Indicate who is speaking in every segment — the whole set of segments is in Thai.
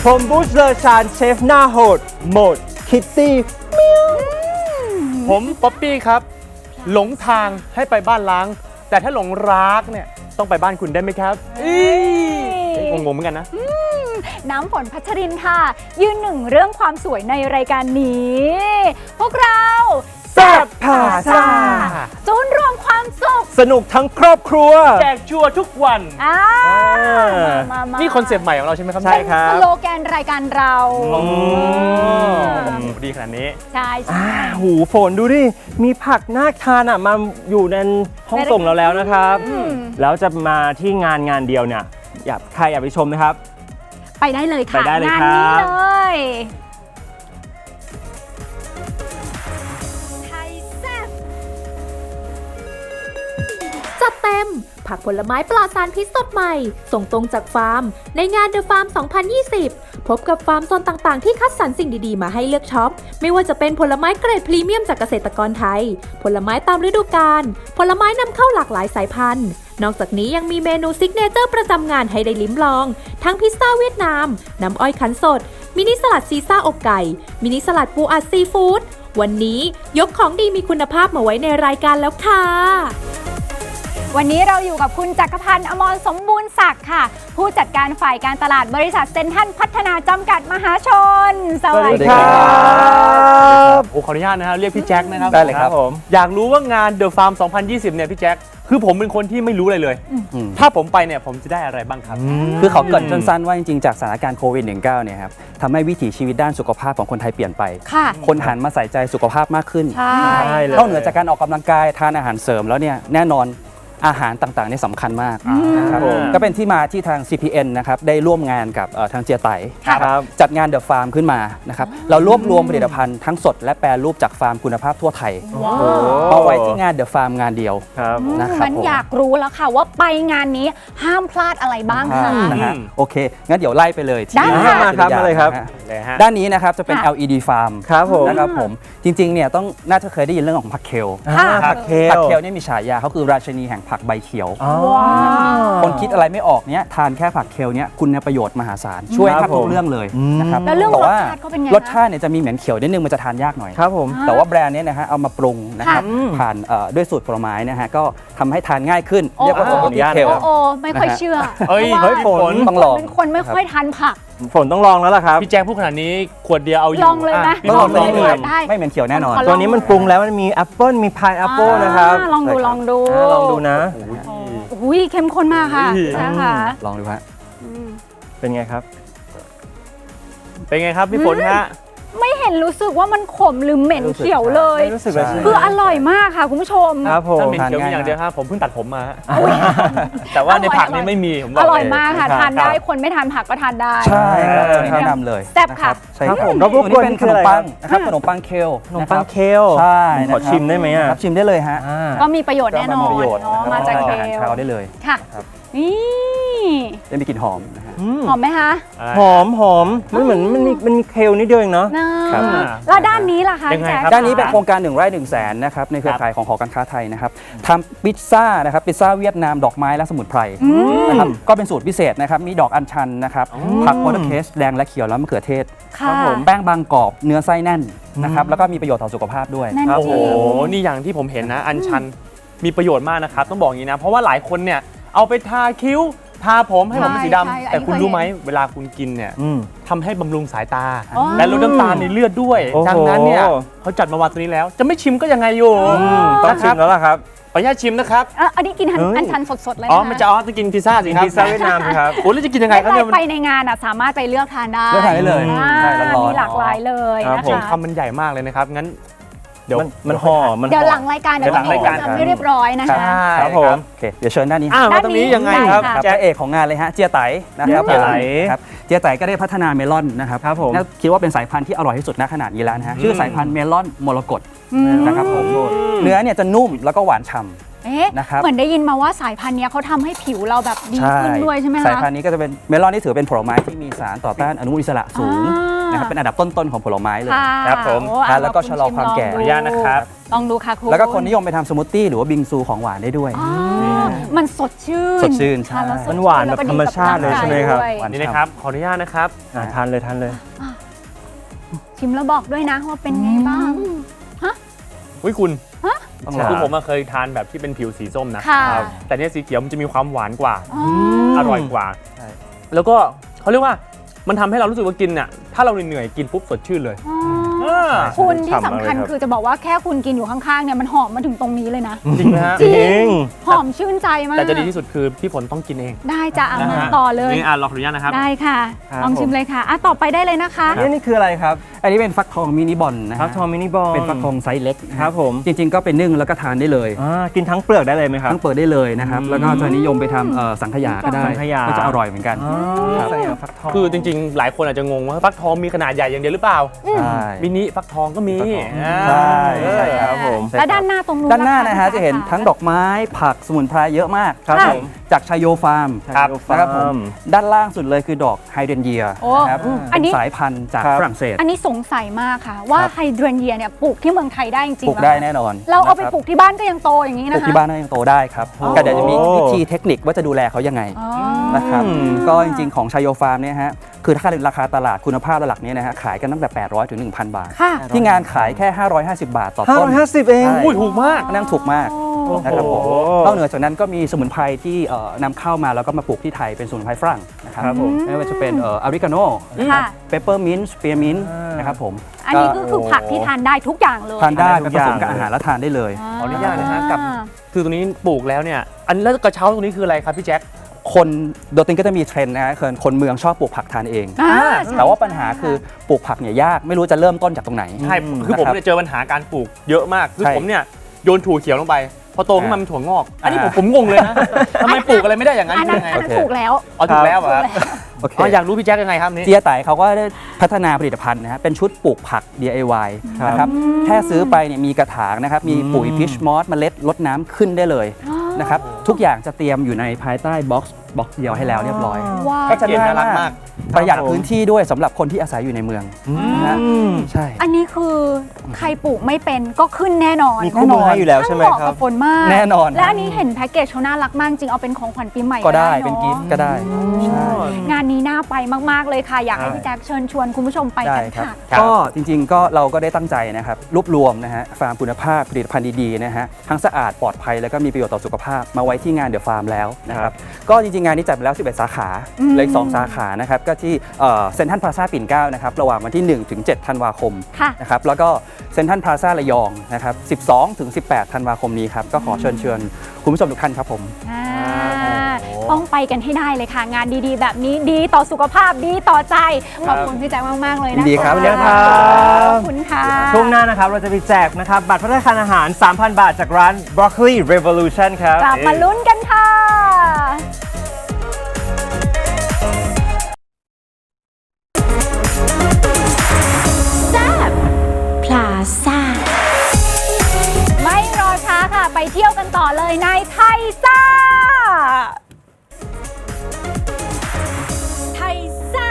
Speaker 1: ผมบูสเลอร์ชานเชฟหน้าโหดโหมดคิตตี้
Speaker 2: ผมป๊อปปี้ครับหลงทางให้ไปบ้านล้าง แต่ถ้าหลงรักเนี่ยต้องไปบ้านคุณได้ไหมครับงงเหมือนกันนะ
Speaker 3: น้ำฝนพัชรินค่ะยืนหนึ่งเรื่องความสวยในรายการนี้ พวกเรา
Speaker 1: แซ่บผ่าซ่า
Speaker 3: จูนรวมความสุข
Speaker 1: สนุกทั้งครอบครัว
Speaker 2: แจกชัวร์ทุกวัน
Speaker 3: มา
Speaker 2: นี่คอนเซปต์ใหม่ของเราใช่ไหมครับ
Speaker 1: ใช่ครับ
Speaker 3: สโลแกนรายการเรา
Speaker 2: ดีขนาดนี้
Speaker 3: ใช่
Speaker 1: หูฝนดูดิมีผักน่าทานอ่ะมาอยู่ในห้องส่งเราแล้วนะครับแล้วจะมาที่งานเดียวเนี่ยใครอยากไปชมนะครับ
Speaker 3: ไปได้เลยค่ะ
Speaker 1: ไปได้เลย
Speaker 3: งาน
Speaker 1: นี้
Speaker 3: เลย
Speaker 4: จัดเต็มผักผลไม้ปลอดสารพิษสดใหม่ส่งตรงจากฟาร์มในงาน The Farm 2020 พบกับฟาร์มโซนต่างๆที่คัดสรรสิ่งดีๆมาให้เลือกช็อปไม่ว่าจะเป็นผลไม้เกรดพรีเมียมจากเกษตรกรไทยผลไม้ตามฤดูกาลผลไม้นำเข้าหลากหลายสายพันธุ์นอกจากนี้ยังมีเมนูซิกเนเจอร์ประจำงานให้ได้ลิ้มลองทั้งพิซซ่าเวียดนามน้ำอ้อยคั้นสดมินิสลัดซีซ่าอบไก่มินิสลัดปูอัดซีฟู้ดวันนี้ยกของดีมีคุณภาพมาไว้ในรายการแล้วค่ะ
Speaker 3: วันนี้เราอยู่กับคุณจักรพันธ์อมรสมบูรณ์ศักดิ์ค่ะผู้จัดการฝ่ายการตลาดบริษัทเซ็นทรัลพัฒนาจำกัดมหาชนสวัสดี
Speaker 1: ครับ
Speaker 2: ขออนุญาตนะครับเรียกพี่แจ็คนะครับ
Speaker 1: ได้เลยครับผม
Speaker 2: อยากรู้ว่างาน The Farm 2020 เนี่ยพี่แจ็คคือผมเป็นคนที่ไม่รู้อะไรเลยถ้าผมไปเนี่ยผมจะได้อะไรบ้างครับ
Speaker 5: คือเขาเกริ่นสั้นๆว่าจริงๆจากสถานการณ์โควิด -19 เนี่ยครับทำให้วิถีชีวิตด้านสุขภาพของคนไทยเปลี่ยนไปคนหันมาใส่ใจสุขภาพมากขึ้นนอกเหนือจากการออกกำลังกายทานอาหารเสริมแล้วเนี่ยแน่นอนอาหารต่างๆนี่สำคัญมากนะครับก็เป็นที่มาที่ทาง CPN นะครับได้ร่วมงานกับทางเจียไตจัดงาน The Farm ขึ้นมานะครับเรารวบรวมผลิตภัณฑ์ทั้งสดและแปรรูปจากฟาร์มคุณภาพทั่วไทยเอาไว้ที่งาน The Farm งานเดียวนะครับ
Speaker 3: งั้นอยากรู้แล้วค่ะว่าไปงานนี้ห้ามพลาดอะไรบ้างคะ
Speaker 5: โอเคงั้นเดี๋ยวไล่ไปเลย
Speaker 3: ได้
Speaker 1: มาครับมาเลยครับ
Speaker 5: ด้านนี้นะครับจะเป็น LED Farm
Speaker 1: ครับผม
Speaker 5: นะครับผมจริงๆเนี่ยน่าจะเคยได้ยินเรื่องของผักเคล
Speaker 1: ผักเคล
Speaker 5: นี่มีฉายาเขาคือราชินีแห่งผักใบเขียวคนคิดอะไรไม่ออกเนี้ยทานแค่ผักเคลเนี้ยคุณประโยชน์มหาศาลช่วยแทบทุกเรื่องเลยนะครับ
Speaker 3: แล้วเรื่องรสชาติก็เป็นไง
Speaker 5: รสชาติเนี่ยจะมีเหมือนเขียวนิดนึงมันจะทานยากหน่อย
Speaker 1: ครับผม
Speaker 5: แต่ว่าแบรนด์นี้นะฮะเอามาปรุงนะครับผ่านด้วยสูตรผลไม้นะฮะก็ทำให้ทานง่ายขึ้นเรียกว่าสมูทตี้เคล
Speaker 3: ไม่ค่อยเชื่อ
Speaker 1: เฮ้ยฝน
Speaker 5: ต้องลอง
Speaker 3: เป็นคนไม่ค่อยทานผัก
Speaker 1: ฝนต้องลองแล้วล่ะครับ
Speaker 2: พี่แจ็คพูดขนาดนี้ขวดเดียวเอาอยู่
Speaker 3: ลองเลยไหม
Speaker 5: ต้องลองเลยไม่เหม็นเขียวแน่นอน
Speaker 1: ตัวนี้มันปรุงแล้วมันมีแอปเปิ้ลมีพายแอปเปิ้ลนะครับ
Speaker 3: ลองดู
Speaker 1: นะ
Speaker 3: อุ้ยเข้มข้นมากค่ะนะคะ
Speaker 5: ลองดูฮะ
Speaker 1: เป็นไงครับ
Speaker 2: พี่ฝนฮะ
Speaker 3: ไม่เห็นรู้สึกว่ามันขมหรือเหม็นเขียวเลยคืออร่อยมากค่ะคุณผู้ชม
Speaker 1: ครับผม
Speaker 2: เหม็นเขียวมีอย่างเดียวครับผมเพิ่งตัดผมมาแต่ว่าในผักนี่ไม่มีผม
Speaker 3: อร่อยมากค่ะทานได้คนไม่ทานผักก็ทานได้
Speaker 5: ใช่แนะนำเลย
Speaker 3: แซ่บค่ะ
Speaker 1: ครับผม
Speaker 5: แล้วพวกนี้เป็นขนมปังนะครับขนมปังเคลใช่
Speaker 1: ขอชิมได้ไหม
Speaker 5: ครับชิมได้เลยฮะ
Speaker 3: ก็มีประโยชน์แน่นอนมาจากเคล
Speaker 5: เช้าได้เลย
Speaker 3: ค่ะนี่
Speaker 5: จะมีกลิ่นหอมนะฮะ
Speaker 3: หอมไหมคะ
Speaker 1: หอมมันเหมือนมันมีเคลนิดเดียวเองเนาะ
Speaker 3: แล้วด้านนี้ล่ะคะ
Speaker 5: ด้านนี้เป็นโครงการ1 ไร่ 1 แสนนะครับในเครือข่ายของหอการค้าไทยนะครับทำพิซซ่านะครับพิซซ่าเวียดนามดอกไม้และสมุนไพรนะครับก็เป็นสูตรพิเศษนะครับมีดอกอัญชันนะครับผักโพดเคสแดงและเขียวแล้วมะเขือเทศแป้งบางกรอบเนื้อไส้แน่นนะครับแล้วก็มีประโยชน์ต่อสุขภาพด้วย
Speaker 2: โอ้โหนี่อย่างที่ผมเห็นนะอัญชันมีประโยชน์มากนะครับต้องบอกอย่างนี้นะเพราะว่าหลายคนเนี่ยเอาไปทาคิ้วทาผมให้ผมเป็นสีดำแต่คุณรู้ไหมเวลาคุณกินเนี่ยทำให้บำรุงสายตาและลดน้ำตาลในเลือดด้วยดังนั้นเนี่ยเขาจัดมาวางตัวนี้แล้วจะไม่ชิมก็ยังไงอยู่
Speaker 1: ต้องชิมแล้วล่ะครับ
Speaker 2: ขออนุญาตชิมนะครับ
Speaker 3: อันนี้กินอัญชันสดๆเลย
Speaker 2: นะมันจะจะกินพิซซ่าสิครับ
Speaker 1: พิซซ่าเวียดนามครับ
Speaker 2: โอ้แล้วจะกินยังไงครับเนี่ย
Speaker 3: ไปในงานสามารถไปเลือกทานได้
Speaker 5: เลย
Speaker 3: มีหลากหลายเลยนะคะ
Speaker 2: คำมันใหญ่มากเลยนะครับงั้น
Speaker 1: เดี๋ยวมันห่อ
Speaker 3: เดี๋ยวหลังรายการเดี๋ยวจะไม่เรียบร้อยนะคะ
Speaker 1: ครับผม
Speaker 5: โอเคเดี๋ยวเชิญด้านนี้
Speaker 2: มาตรงนี้ยังไงครับ
Speaker 5: แจ๊เอกของงานเลยฮะเจียไตนะครับเจียไตก็ได้พัฒนาเมลอนนะครับคิดว่าเป็นสายพันธุ์ที่อร่อยที่สุดณขนาดนี้แล้วนะฮะชื่อสายพันธุ์เมลอนมรกตนะครับผมเนื้อเนี่ยจะนุ่มแล้วก็หวานฉ่ำ
Speaker 3: เหมือนได้ยินมาว่าสายพันธุ์นี้เขาทำให้ผิวเราแบบดีขึ้นด้วยใช่ไหมคะ
Speaker 5: สายพันธุ์นี้ก็จะเป็นเมลอนที่ถือเป็นผลไม้ที่มีสารต่อต้านอนุมูลอิสระสูงนะครับเป็นอันดับต้นๆของผลไม้เลย
Speaker 1: ครับผม
Speaker 5: แล้วก็ชะลอความแก่
Speaker 1: อนุญาตนะครับ
Speaker 3: ลองดูค่ะครู
Speaker 5: แล้วก็คนนิยมไปทำสมูทตี้หรือว่าบิงซูของหวานได้ด้วย
Speaker 3: มันสดชื่น
Speaker 5: สดชื่นใช่
Speaker 3: ทาแล้วสด
Speaker 1: มันหวานแบบธรรมชาติเลยใช่ไหมครับ
Speaker 3: แล้วก็ดีกั
Speaker 2: นี่นะครับขออนุญาตนะครับ
Speaker 1: ทานเลยทานเลย
Speaker 3: ชิมแล้วบอกด้วยนะว่าเป็นไงบ้าง
Speaker 2: อุ้ยคุณ
Speaker 5: ต้อง
Speaker 1: ใช่
Speaker 5: ลอง
Speaker 2: คือผมเคยทานแบบที่เป็นผิวสีส้มนะ
Speaker 3: ค่ะ
Speaker 2: ครับแต่เนี่ยสีเขียวมันจะมีความหวานกว่า
Speaker 3: อ๋อ
Speaker 2: อร่อยกว่า
Speaker 5: ใช่
Speaker 2: แล้วก็เขาเรียกว่ามันทำให้เรารู้สึกว่ากินเนี่ยถ้าเราเหนื่อยๆกินปุ๊บสดชื่นเลย
Speaker 3: อ๋อ
Speaker 2: อ่า
Speaker 3: คุณที่
Speaker 1: ฉ่ำ
Speaker 3: สำ
Speaker 1: มาก
Speaker 3: คัญ
Speaker 1: เลยครับ
Speaker 3: คือจะบอกว่าแค่คุณกินอยู่ข้างๆเนี่ยมันหอมมาถึงตรงนี้เลยนะ
Speaker 2: จริงไหมฮะ
Speaker 3: จริ
Speaker 1: จริง
Speaker 3: หอมชื่นใจมาก
Speaker 2: แต่จะดีที่สุดคือพี่ฝนต้องกินเอง
Speaker 3: ได้จะเอา
Speaker 2: นะ
Speaker 3: มา
Speaker 2: ฮะ
Speaker 3: ต่อเลย
Speaker 2: นี่ลองขออนุญาตนะครับ
Speaker 3: ได้ค่ะ
Speaker 1: ครับ
Speaker 3: ลองชิมเลยค่ะต่อไปได้เลยนะคะ
Speaker 1: นี่คืออะไรครับ
Speaker 5: อันนี้เป็นฟักทองมินิบอลนะ
Speaker 1: ครั
Speaker 5: ฮะ
Speaker 1: บทอมมินิบอล
Speaker 5: เป็นฟักทองไซส์เล็กนะฮะ
Speaker 1: ครับผม
Speaker 5: จริง ๆ ก็เป็นนึ่งแล้วก็ทานได้เลย
Speaker 1: กินทั้งเปลือกได้เลยไหมครับ
Speaker 5: ทั้งเปิดได้เลยนะครับ แล้วก็จะนิยมไปทำสังขยาก็ได้
Speaker 1: สังขยา
Speaker 5: ก็จะอร่อยเหมือนกัน ครับ
Speaker 1: สังขยาฟักทอง
Speaker 2: คือจริงๆ หลายคนอาจจะงงว่าฟักทองมีขนาดใหญ่อย่างเดียวหรือเปล่า
Speaker 5: ใช่
Speaker 2: มินิฟักทองก็มี
Speaker 5: ใช่
Speaker 1: ใช่ครับผม
Speaker 3: และด้านหน้าตรงนู้น
Speaker 5: ด้านหน้านะฮะ
Speaker 3: ค
Speaker 5: จะเห็นทั้งดอกไม้ผักสมุนไพรเยอะมาก
Speaker 1: ครับผม
Speaker 5: จากชายโยฟาร์ม
Speaker 2: ครับ
Speaker 5: นะครับผมด้านล่างสุดเลยคือดอกไฮเดรนเยีย
Speaker 3: โอ้
Speaker 5: นะครับ
Speaker 3: อันนี้
Speaker 5: เป็นสายพันธุ์จาก
Speaker 1: ครับ
Speaker 5: ฝรั่งเศส
Speaker 3: อันนี้สงสัยมากค่ะ ว่า
Speaker 5: ครับ
Speaker 3: ไฮเดรนเยียเนี่ยปลูกที่เมืองไทยได้จริงๆ
Speaker 5: ปลูก
Speaker 3: หรอ
Speaker 5: ได้แน่นอน
Speaker 3: เราเอาไป
Speaker 5: นะครับ
Speaker 3: ปลูกที่บ้านก็ยังโตอย่างนี้
Speaker 5: ป
Speaker 3: นะ
Speaker 5: ลูก
Speaker 3: คะ
Speaker 5: ที่บ้านก็ยังโตได้ครับ
Speaker 3: อ๋อ
Speaker 5: ก็เดี๋ยวจะมีวิธีเทคนิคว่าจะดูแลเขายังไง
Speaker 3: อ๋อ
Speaker 5: นะครับก็จริงๆของชายโยฟาร์มเนี่ยฮะคือถ้าราคาตลาดคุณภาพระดับนี้นะฮะขายกันตั้งแต่ 800 ถึง 1,000 บาท
Speaker 3: ค่ะ
Speaker 5: ที่งานขายแค่ 550 บาทต่อต้น
Speaker 1: 550 เอง
Speaker 5: ใช่
Speaker 2: อุ้ยถูกมาก
Speaker 5: นั่งถูกมาก
Speaker 3: โอ้
Speaker 5: นะครับผม
Speaker 1: โอ้โห
Speaker 5: นอกเหนือจากนั้นก็มีสมุนไพรที่นำเข้ามาแล้วก็มาปลูกที่ไทยเป็นสมุนไพรฝรั่งนะครับ
Speaker 1: ครับผม
Speaker 5: ไม่ว่าจะเป็นอาริกาโน
Speaker 3: ค่ะ
Speaker 5: เปปเปอร์มินต์สเปียร์มินต์
Speaker 1: อ่าน
Speaker 5: นะครับผม
Speaker 3: อันนี้ก็คือผักที่ทานได้ทุกอย่างเลย
Speaker 5: ทานได้
Speaker 1: ทานได้
Speaker 5: ไป
Speaker 1: ทุ
Speaker 5: ผ
Speaker 1: กอย่าง
Speaker 5: สมกับอาหารแล้วทานได้เลย
Speaker 2: ขออนุญาตนะฮะกับ คือตรงนี้ปลูกแล้วเนี่ย อันแล้วกระเช้าตรงนี้คืออะไรครับพี่แจ็ค
Speaker 5: คนโดยตรงก็จะมีเทรนด์นะฮะคนเมืองชอบปลูกผักทานเอง
Speaker 3: อ่า
Speaker 5: แต่ว่าปัญหาคือปลูกผักเนี่ยยากไม่รู้จะเริ่มต้นจากตรงไหน
Speaker 2: ใช่ คือผม
Speaker 5: นะครับ
Speaker 2: เนี่ยเจอปัญหาการปลูกเยอะมาก คือ
Speaker 5: ใช่
Speaker 2: ผมเนี่ยโยนถั่วเขียวลงไป พอโตขึ้นมาเป็นถั่วงอก อันนี้ผม
Speaker 5: อ่า
Speaker 2: ผมงงเลยนะทำไมปลูกอะไรไม่ได้อย่างนั้น
Speaker 3: อันนั้น
Speaker 2: ยังไง
Speaker 3: อันนั้น
Speaker 5: โอเค
Speaker 3: ถูกแล้ว
Speaker 2: อ๋อถูกแล้วเหรอครับ
Speaker 5: โอเค
Speaker 2: อ๋ออยากรู้พี่แจ็คยังไงครับนี่
Speaker 5: เจียไต่เขาก็ได้พัฒนาผลิตภัณฑ์นะฮะเป็นชุดปลูกผัก DIY นะครับแค่ซื้อไปเนี่ยมีกระถางนะครับมีปุ๋ยพิชมอสเมล็ดรดน้ำขึ้นได้เลยนะครับทุกอย่างจะเตรียมอยู่ในภายใต้บ็อกซ์เดียวให้แล้วเรียบร้อย
Speaker 3: ว้าว
Speaker 5: ก็จะ
Speaker 2: เย็นน่ารักมาก
Speaker 5: ประหยัดพื้นที่ด้วยสำหรับคนที่อาศัยอยู่ในเมืองนะฮะใช่
Speaker 3: อันนี้คือใครปลูกไม่เป็นก็ขึ้นแน่นอน
Speaker 1: มีคู่มือให้อยู่แล้วใช่ไหม
Speaker 3: เหมาะ
Speaker 1: ครั
Speaker 3: กั
Speaker 1: บบ
Speaker 3: ฝนมาก
Speaker 5: แน่นอน
Speaker 3: และอันนี้เห็นแพ็กเกจเขาน่ารักมากจริงเอาเป็นของขวัญปีใหม่
Speaker 5: ก็ได้
Speaker 3: อะ
Speaker 5: เป็นกิฟต์ก็ได้ใช่
Speaker 3: งานนี้น่าไปมากๆเลยค่ะ อยากให้พี่แจ็คเชิญชวนคุณผู้ชมไป
Speaker 5: ได้
Speaker 3: กัน
Speaker 5: ครับ
Speaker 3: ค่ะ
Speaker 2: ครับ
Speaker 5: ก็จริงๆก็เราก็ได้ตั้งใจนะครับรวบรวมนะฮะฟาร์มคุณภาพผลิตภัณฑ์ดีๆนะฮะทั้งสะอาดปลอดภัยแล้วก็มีประโยชน์ต่อสุขภาพมาไว้ที่งานเดอะฟาร์มแล้วนะครับก็จริงๆงานนี้จัดไปแล้ว 11 สาขาเหลืออีก2 สาขานะครับก็ที่เซ็นทรัลพลาซ่าปิ่นเกล้านะครับระหว่างวันที่ 1 ถึง 7 ธันวาคม
Speaker 3: ค่ะ
Speaker 5: นะครับแล้วก็เซ็นทรัลพลาซ่าระยองนะครับ12 ถึง 18 ธันวาคมนี้ครับก็ขอเชิญคุณผู้ชมทุกท่านครับผม
Speaker 3: อ่าต้องไปกันให้ได้เลยค่ะ งานดีๆ แบบนี้ดีต่อสุขภาพดีต่อใจ ขอบคุณพี่แจ็คมากๆเลยนะะ
Speaker 5: ยินดีครับ
Speaker 3: ขอบคุณค่ะ
Speaker 1: ช่วงหน้านะครับเราจะไปแจกนะครับบัตรพัฒนาคารอาหาร 3,000 บาทจากร้าน Broccoli Revolution ครับ
Speaker 3: กลับมาลุ้นกันค่ะ
Speaker 4: พลาซ่า
Speaker 3: ไม่รอช้าค่ะ ไปเที่ยวกันต่อเลยในไทยซ่า ไทยซ่า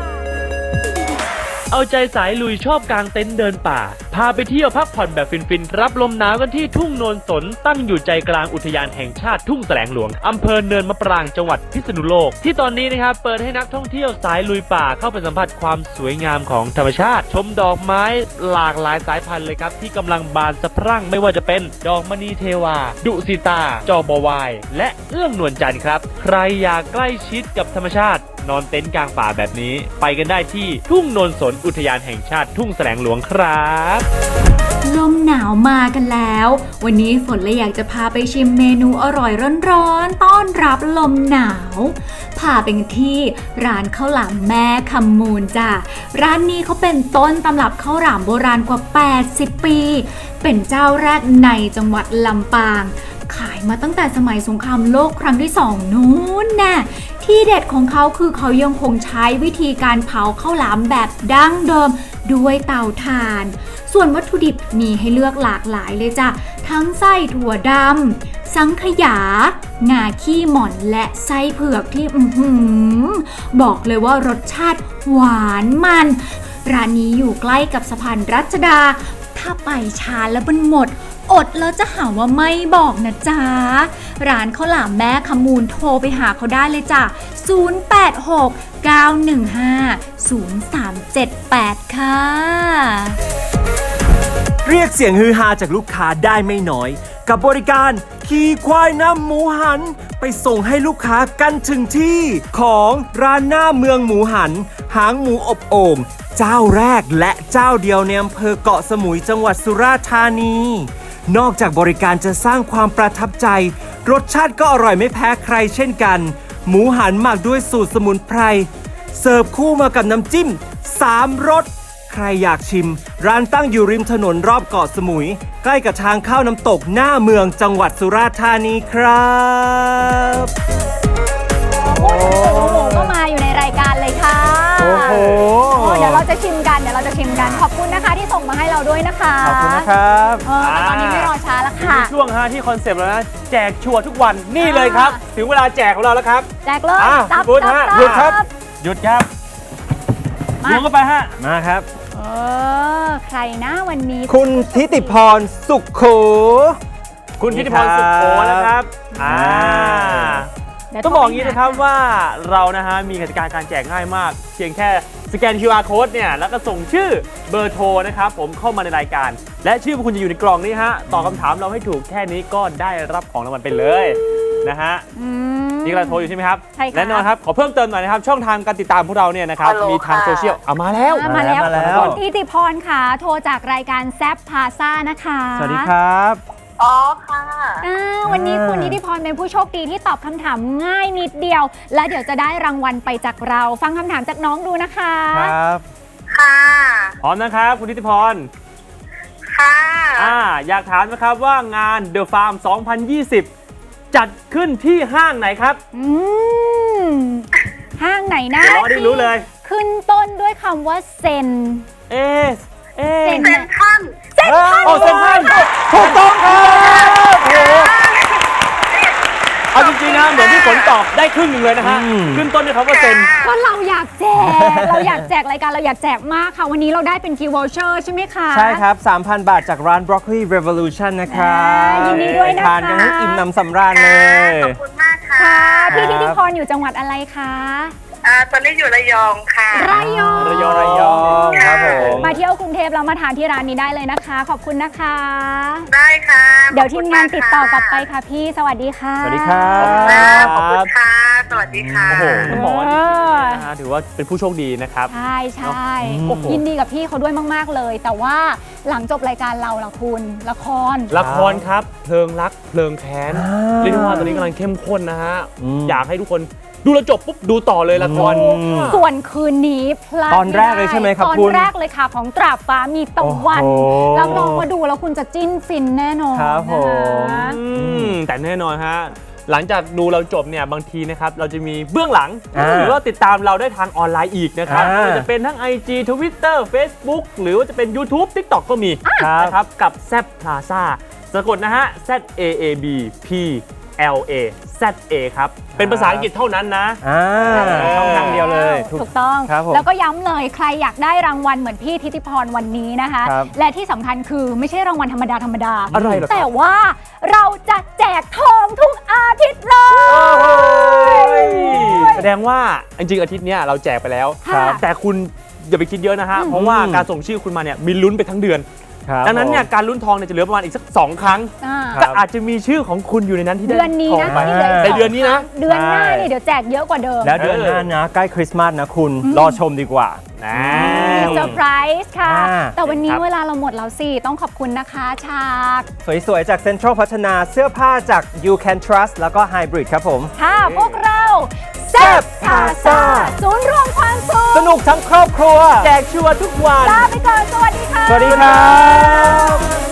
Speaker 6: เอาใจสายลุยชอบกางเต็นท์เดินป่า พาไปเที่ยวพักผ่อนแบบฟินๆ รับลมหนาวกันที่ทุ่งโนนสนตั้งอยู่ใจกลางอุทยานแห่งชาติทุ่งแสลงหลวงอำเภอเนินมะปรางจังหวัดพิษณุโลกที่ตอนนี้นะครับเปิดให้นักท่องเที่ยวสายลุยป่าเข้าไปสัมผัสความสวยงามของธรรมชาติ ชมดอกไม้หลากหลายสายพันธุ์เลยครับที่กำลังบานสะพรั่งไม่ว่าจะเป็นดอกมณีเทวา ดุสิตา จอบวาย และเอื้องนวลจันทร์ครับใครอยากใกล้ชิดกับธรรมชาตินอนเต็นท์กลางป่าแบบนี้ไปกันได้ที่ทุ่งโนนสนอุทยานแห่งชาติทุ่งแสลงหลวงครับ
Speaker 7: ลมหนาวมากันแล้ว วันนี้ฝนเลยอยากจะพาไปชิมเมนูอร่อยร้อนๆต้อนรับลมหนาว พาไปกันที่ร้านข้าวหลามแม่คำมูลจ้ะร้านนี้เขาเป็นต้นตำรับข้าวหลามโบราณกว่า 80 ปี เป็นเจ้าแรกในจังหวัดลำปาง ขายมาตั้งแต่สมัยสงครามโลกครั้งที่ 2 นู้นน่ะที่เด็ดของเขาคือเขายังคงใช้วิธีการเผาข้าวหลามแบบดั้งเดิมด้วยเตาถ่าน ส่วนวัตถุดิบมีให้เลือกหลากหลายเลยจ้ะทั้งไส้ถั่วดำสังขยางาขี้หม่อนและไส้เผือกที่บอกเลยว่ารสชาติหวานมันร้านนี้อยู่ใกล้กับสะพานรัชดาถ้าไปช้าแล้วมันหมดอดแล้วจะหาว่าไม่บอกนะจ๊ะร้านข้าวหลามแม่ขมูลโทรไปหาเขาได้เลยจ้ะ086-915-0378 ค่ะ
Speaker 1: เรียกเสียงฮือฮาจากลูกค้าได้ไม่น้อย กับบริการขี่ควายนำหมูหัน ไปส่งให้ลูกค้ากันถึงที่ของร้านหน้าเมืองหมูหัน หางหมูอบโอ่งเจ้าแรกและเจ้าเดียวในอำเภอเกาะสมุยจังหวัดสุราษฎร์ธานี นอกจากบริการจะสร้างความประทับใจ รสชาติก็อร่อยไม่แพ้ใครเช่นกัน หมูหันหมักด้วยสูตรสมุนไพรเสิร์ฟคู่มากับน้ำจิ้ม3 รสใครอยากชิม ร้านตั้งอยู่ริมถนนรอบเกาะสมุย ใกล้กับทางเข้าน้ำตกหน้าเมืองจังหวัดสุราษฎร์ธานีครับ
Speaker 3: พูดถึงสูตรหมูก็มาอยู่ในรายการเลยค่ะ
Speaker 1: โอ้โห
Speaker 3: เดี๋ยวเราจะชิมกันขอบคุณนะคะที่ส่งมาให้เราด้วยนะคะ
Speaker 1: ขอบคุณนะครับ
Speaker 3: แต่ตอนนี้ไม่รอช้าแล้วค่ะ
Speaker 2: ช่วงที่คอนเซปต์แล้วนะแจกชัวร์ทุกวันนี่เลยครับ ถึงเวลาแจกของเราแล้วครับ
Speaker 3: แจกเลย
Speaker 2: คุณพุทธฮะหยุดครับ หยุดครับ
Speaker 3: มา
Speaker 2: ล้วงเข้าไปฮะ
Speaker 1: มาครับ
Speaker 3: ใครนะวันนี้
Speaker 1: คุณทิติพรสุขโข
Speaker 2: คุณทิติพรสุขโขนะครับต้องบอกอย่างนี้นะครับว่าเรานะฮะมีกติกาการแจกง่ายมาก เพียงแค่สแกน QR code เนี่ยแล้วก็ส่งชื่อเบอร์โทรนะครับผมเข้ามาในรายการ และชื่อคุณจะอยู่ในกล่องนี้ฮะตอบคำถามเราให้ถูกแค่นี้ก็ได้รับของรางวัลไปเลยนะฮะนี่เราโทรอยู่ใช่ไหมครับ
Speaker 3: ใช่ค่ะ
Speaker 2: แน่นอนครับขอเพิ่มเติมหน่อยนะครับช่องทางการติดตามพวกเราเนี่ยนะครับมีทางโซเชียลมาแล้ว
Speaker 3: มาแล้ว
Speaker 1: มาแล้ว
Speaker 3: คุณทิติพรค่ะ โทรจากรายการแซฟพาซ่านะคะ
Speaker 1: สวัสดีครับ
Speaker 8: อ๋อค่ะ
Speaker 3: วันนี้คุณนิติพรเป็นผู้โชคดีที่ตอบคำถามง่ายนิดเดียว และเดี๋ยวจะได้รางวัลไปจากเรา ฟังคำถามจากน้องดูนะคะ
Speaker 1: ครับ
Speaker 8: ค่ะ
Speaker 2: พร้อมนะครับคุณทิติพร
Speaker 8: ค่ะ
Speaker 2: อยากถามนะครับว่างาน The Farm 2020 จัดขึ้นที่ห้างไหนครับ
Speaker 3: ห้างไหนนะ
Speaker 2: รอได้รู้เลย
Speaker 3: ขึ้นต้นด้วยคำว่าเซน
Speaker 2: เซ
Speaker 3: เซน
Speaker 8: เซ็นทรัล
Speaker 2: โอ้เซนทรัลถูกต้องครับโอ้เอาจริงๆนะเหมือนที่ฝนตอบได้ครึ่งหนึ่งเลยนะฮะขึ้นต้นด้วยคำว่าเซน
Speaker 3: ก็เราอยากแจก รายการเราอยากแจกมากค่ะ วันนี้เราได้เป็นกิฟต์วอเชอร์ใช่ไหมคะ
Speaker 1: ใช่ครับ 3,000 บาทจากร้าน Broccoli Revolution นะครับ
Speaker 3: ยินดีด้วยนะคะ
Speaker 1: ทานกันให้อิ่มหนำสำราญเลย
Speaker 8: ขอบคุณมากค่ะ
Speaker 3: ค่ะ พี่
Speaker 1: ครับ
Speaker 3: ทิติพรอยู่จังหวัดอะไรคะ
Speaker 8: ตอนนี้อยู่ระยองค่ะ
Speaker 3: ระยอง
Speaker 2: ระยอง
Speaker 1: ระยองครับผม
Speaker 3: มาเที่ยวกรุงเทพแล้วมาทานที่ร้านนี้ได้เลยนะคะ ขอบคุณนะคะ
Speaker 8: ได้ค่ะ
Speaker 3: เดี๋ยวทีมงานติดต่อกลับไปค่ะพี่สวัสดีค่ะ
Speaker 1: สวัสดีครับ
Speaker 8: ขอบคุณค่ะ สวัสดีค่ะ
Speaker 2: โอ้โหต้องบอกว่าจริงๆนะฮะถือว่าเป็นผู้โชคดีนะครับ
Speaker 3: ใช่ใช่
Speaker 2: โอ้โห
Speaker 3: ยินดีกับพี่เขาด้วยมากๆเลย แต่ว่าหลังจบรายการเราล่ะคุณละคร
Speaker 2: ละครครับเพลิงรักเพลิงแค้นเรียกได้ว่าตอนนี้กำลังเข้มข้นนะฮะอยากให้ทุกคนดูแลวจบปุ๊บดูต่อเลยละคร
Speaker 3: ส่วนคืนนี้พลาด
Speaker 1: ตอนแรกเลยใช่ไหมครับ
Speaker 3: ตอน
Speaker 1: คุณ
Speaker 3: แรกเลยค่ะของตราบฟ้ามีตะวัน
Speaker 1: โอ้โห
Speaker 3: รับรองว่าดูแล้วคุณจะจิ้นฟินแน่นอน
Speaker 1: ครับผม
Speaker 3: นะคะ
Speaker 2: แต่แน่นอนฮะหลังจากดูเราจบเนี่ยบางทีนะครับเราจะมีเบื้องหลัง
Speaker 1: อ่า
Speaker 2: หรือว่าติดตามเราได้ทางออนไลน์อีกนะครับ
Speaker 1: อ่า
Speaker 2: ไม่ว่าจะเป็นทั้ง IG Twitter Facebook หรือว่าจะเป็น YouTube TikTok ก็มี
Speaker 1: ครับ
Speaker 2: นะครับกับแซบพลาซ่าสะกดนะฮะ ZAAB PLA ZA ครับ เป็นภาษาอังกฤษเท่านั้นนะ
Speaker 1: ช่องทางเดียวเลย
Speaker 3: ถูกต้อง
Speaker 1: ครับผม
Speaker 3: แล้วก็ย้ำเลยใครอยากได้รางวัลเหมือนพี่ทิติพรวันนี้นะคะ
Speaker 1: ครับ
Speaker 3: และที่สำคัญคือไม่ใช่รางวัลธรรมดา
Speaker 2: อะไรเหรอครับ
Speaker 3: แต่ว่าเราจะแจกทองทุกอาทิตย์เลย
Speaker 2: แสดงว่าจริงๆอาทิตย์เนี้ยเราแจกไปแล้ว
Speaker 3: ค่ะ
Speaker 2: แต่คุณอย่าไปคิดเยอะนะฮะ เพราะว่าการส่งชื่อคุณมาเนี่ยมีลุ้นไปทั้งเดือน
Speaker 1: ครับ
Speaker 2: ดังนั้นเนี่ย
Speaker 1: ผม
Speaker 2: การลุ้นทองเนี่ยจะเหลือประมาณอีกสัก 2 ครั้ง
Speaker 3: อ่า
Speaker 2: ก็อาจจะมีชื่อของคุณอยู่ในนั้นที่ได้
Speaker 3: เดือนนี้
Speaker 2: ทอง
Speaker 3: นะ
Speaker 2: ไป
Speaker 3: ที่เหลือ
Speaker 2: ในเดือนนี้นะ
Speaker 3: เดือนหน้านี่เดี๋ยวแจกเยอะกว่าเดิม
Speaker 1: แล้วเดือนหน้านะ ใกล้คริสต์มาสนะคุณ รอชมดีกว่า
Speaker 3: มีเซอร์ไพรส์ค่ะ
Speaker 1: อ่า
Speaker 3: แต่วันนี้
Speaker 2: ครับ
Speaker 3: เวลาเราหมดแล้วสิ ต้องขอบคุณนะคะฉาก
Speaker 1: สวยๆ จากเซ็นทรัลพัฒนาเสื้อผ้าจาก You Can Trust แล้วก็ Hybrid ครับผม
Speaker 3: ค่ะ พวกเราแซ่บพาซ่าศูนย์รวมความสุข
Speaker 1: สนุกทั้งครอบครัว
Speaker 2: แจกชัวร์ทุกวัน
Speaker 3: ลาไปก่อน สวัสดีค่ะ
Speaker 1: สวัสดีครับ